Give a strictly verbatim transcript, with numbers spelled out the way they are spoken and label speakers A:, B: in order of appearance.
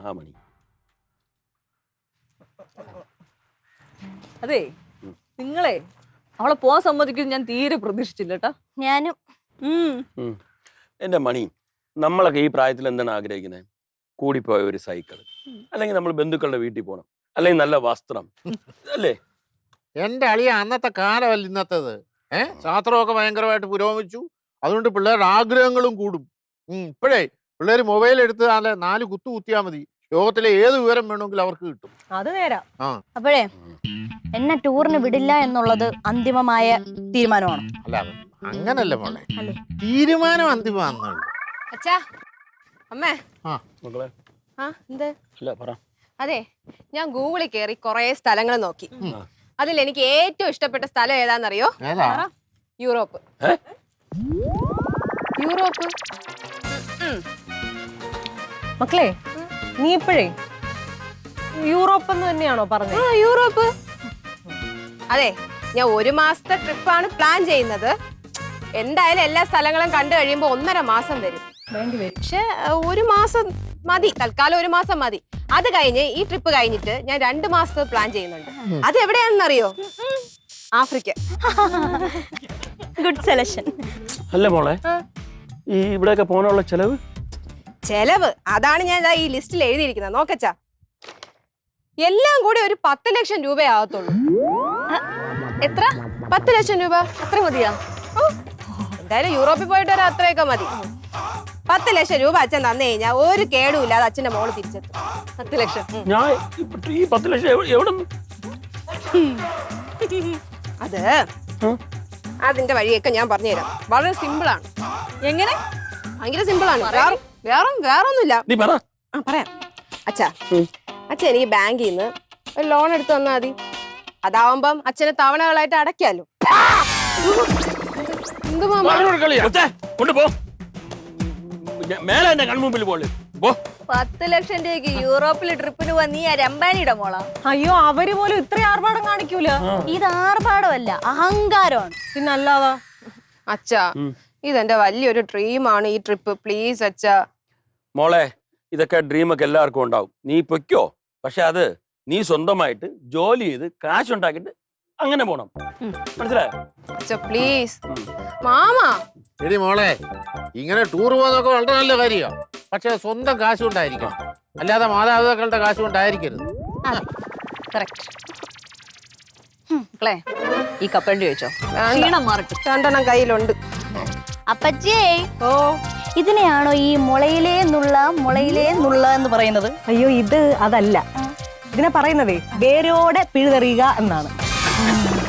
A: മഹാമണി.
B: അതെ നിങ്ങളെ അവളെ പോവാൻ സമ്മതിക്കും ഞാൻ തീരെ പ്രതീക്ഷിച്ചില്ല കേട്ടോ.
C: ഞാനും.
A: എന്റെ മണി, നമ്മളൊക്കെ ഈ പ്രായത്തിൽ എന്താണ് ആഗ്രഹിക്കുന്നത്? കൂടിപ്പോയ ഒരു സൈക്കിൾ, അല്ലെങ്കിൽ നമ്മൾ ബന്ധുക്കളുടെ വീട്ടിൽ പോകണം, അല്ലെങ്കിൽ നല്ല വസ്ത്രം അല്ലേ?
D: എന്റെ അളിയ അന്നത്തെ കാലമല്ല ഇന്നത്തേത്. ഏഹ് ശാസ്ത്രമൊക്കെ ഭയങ്കരമായിട്ട് പുരോഗമിച്ചു. അതുകൊണ്ട് പിള്ളേരുടെ ആഗ്രഹങ്ങളും കൂടും. ഇപ്പോഴേ പിള്ളേർ മൊബൈൽ എടുത്ത് നല്ല നാല് കുത്തു കുത്തിയാൽ മതി, ലോകത്തിലെ ഏത് വിവരം വേണമെങ്കിലും അവർക്ക് കിട്ടും.
B: അത് നേരാ.
C: അപ്പോഴേ എന്നെ ടൂറിന് വിടില്ല എന്നുള്ളത് അന്തിമമായ തീരുമാനമാണ്.
D: അല്ല അങ്ങനല്ല മോളെ, തീരുമാനം അന്തിമമാണെന്നുള്ളു.
E: അച്ഛാ അമ്മേ
D: ആ
A: മക്കളെ
E: ആ എന്ത്
A: അല്ല പറ.
E: അതെ, ഞാൻ ഗൂഗിളിൽ കയറി കുറെ സ്ഥലങ്ങൾ നോക്കി. അതിൽ എനിക്ക് ഏറ്റവും ഇഷ്ടപ്പെട്ട സ്ഥലം ഏതാണെന്നറിയോ?
D: ഏതാ?
E: യൂറോപ്പ്. യൂറോപ്പ്.
B: മക്കളെ നീ ഇപ്പോഴേ യൂറോപ്പ് എന്ന് തന്നെയാണോ പറഞ്ഞത്?
E: ആ യൂറോപ്പ്. അതെ, ഞാൻ ഒരു മാസത്തെ ട്രിപ്പാണ് പ്ലാൻ ചെയ്യുന്നത്. എന്തായാലും എല്ലാ സ്ഥലങ്ങളും കണ്ടു കഴിയുമ്പോ ഒന്നര മാസം വരും. പക്ഷെ ഒരു മാസം മതി, തൽക്കാലം ഒരു മാസം മതി. അത് കഴിഞ്ഞ് ഈ ട്രിപ്പ് കഴിഞ്ഞിട്ട് ഞാൻ രണ്ടു മാസത്തെ പ്ലാൻ ചെയ്യുന്നുണ്ട്. അത് എവിടെയാണെന്നറിയോ? ആഫ്രിക്ക.
C: Good selection.
A: അല്ല മോളെ, ഈ ഇവിടെയൊക്കെ പോകാനുള്ള ചെലവ്
E: ചെലവ് അതാണ് ഞാൻ ഈ ലിസ്റ്റിൽ എഴുതിയിരിക്കുന്നത്. നോക്കച്ചാ, എല്ലാം കൂടി ഒരു പത്ത് ലക്ഷം രൂപയാകത്തുള്ളൂ.
C: എത്ര?
E: പത്ത് ലക്ഷം രൂപ.
C: അത്ര മതിയാ?
E: എന്തായാലും യൂറോപ്പിൽ പോയിട്ട് വരാൻ അത്രയൊക്കെ മതി. പത്ത് ലക്ഷം രൂപ അച്ഛൻ തന്നു കഴിഞ്ഞാൽ ഒരു കേടുമില്ല, അത് അച്ഛന്റെ മോള് തിരിച്ചെത്തും.
B: പത്ത് ലക്ഷം
A: ഞാൻ ഈ പത്ത് ലക്ഷം എവിടെ?
E: അത് അതിന്റെ വഴിയൊക്കെ ഞാൻ പറഞ്ഞുതരാം. വളരെ സിമ്പിൾ ആണ്.
B: എങ്ങനെ?
E: ഭയങ്കര സിമ്പിൾ ആണ്. വേറെ വേറെ വേറൊന്നുമില്ല.
A: നീ പറ.
E: ആ പറയാം. അച്ഛാ അച്ഛൻ എനിക്ക് ബാങ്കിൽ നിന്ന് ഒരു ലോൺ എടുത്ത് തന്നാ മതി. അതാവുമ്പം അച്ഛന് തവണകളായിട്ട് അടയ്ക്കാലോ. എന്ത്
A: കൊണ്ടുപോ, മേലെ എന്റെ കൺമുമ്പിൽ പോലെ പോ.
C: പത്ത് ലക്ഷം രൂപയ്ക്ക് യൂറോപ്പിൽ ട്രിപ്പിന് പോവാൻ നീ ആ രമ്പാനിയുടെ മോളാ?
B: അയ്യോ, അവര് പോലും ഇത്ര ആർഭാടം കാണിക്കൂല.
C: ഇത് ആർഭാടമല്ല, അഹങ്കാരമാണ്.
B: പിന്നല്ലാതാ.
E: അച്ഛാ ഇതെന്റെ വലിയൊരു ഡ്രീമാണ് ഈ ട്രിപ്പ്. പ്ലീസ് അച്ഛാ.
A: മോളെ, ഇതൊക്കെ ഡ്രീമൊക്കെ എല്ലാവർക്കും ഉണ്ടാവും. നീ പൊയ്ക്കോ, പക്ഷെ അത് നീ സ്വന്തമായിട്ട് ജോലി ചെയ്ത് കാശുണ്ടാക്കിട്ട് അങ്ങനെ പോണം. മനസ്സിലായോ?
E: അച്ഛാ പ്ലീസ്. മാമാ
D: എടി മോളെ, ഇങ്ങനെ ടൂർ പോകുന്നതൊക്കെ വളരെ നല്ല കാര്യമാണ്. പക്ഷെ സ്വന്തം കാശ് കൊണ്ടായിരിക്കണം, അല്ലാതെ മാതാപിതാക്കളുടെ കാശ് കൊണ്ടായിരിക്കരുത്.
B: മക്കളെ ഈ കപ്പലണ്ടി ചോദിച്ചോ, ക്ഷീണം മാറട്ടെ.
E: രണ്ടെണ്ണം കയ്യിലുണ്ട്.
C: അപ്പച്ചേ,
B: ഓ
C: ഇതിനെയാണോ ഈ മുളയിലേ നുള്ള മുളയിലേ നുള്ള എന്ന് പറയുന്നത്?
B: അയ്യോ, ഇത് അതല്ല. ഇതിനെ പറയുന്നതേ വേരോടെ പിഴുതെറിയുക എന്നാണ്.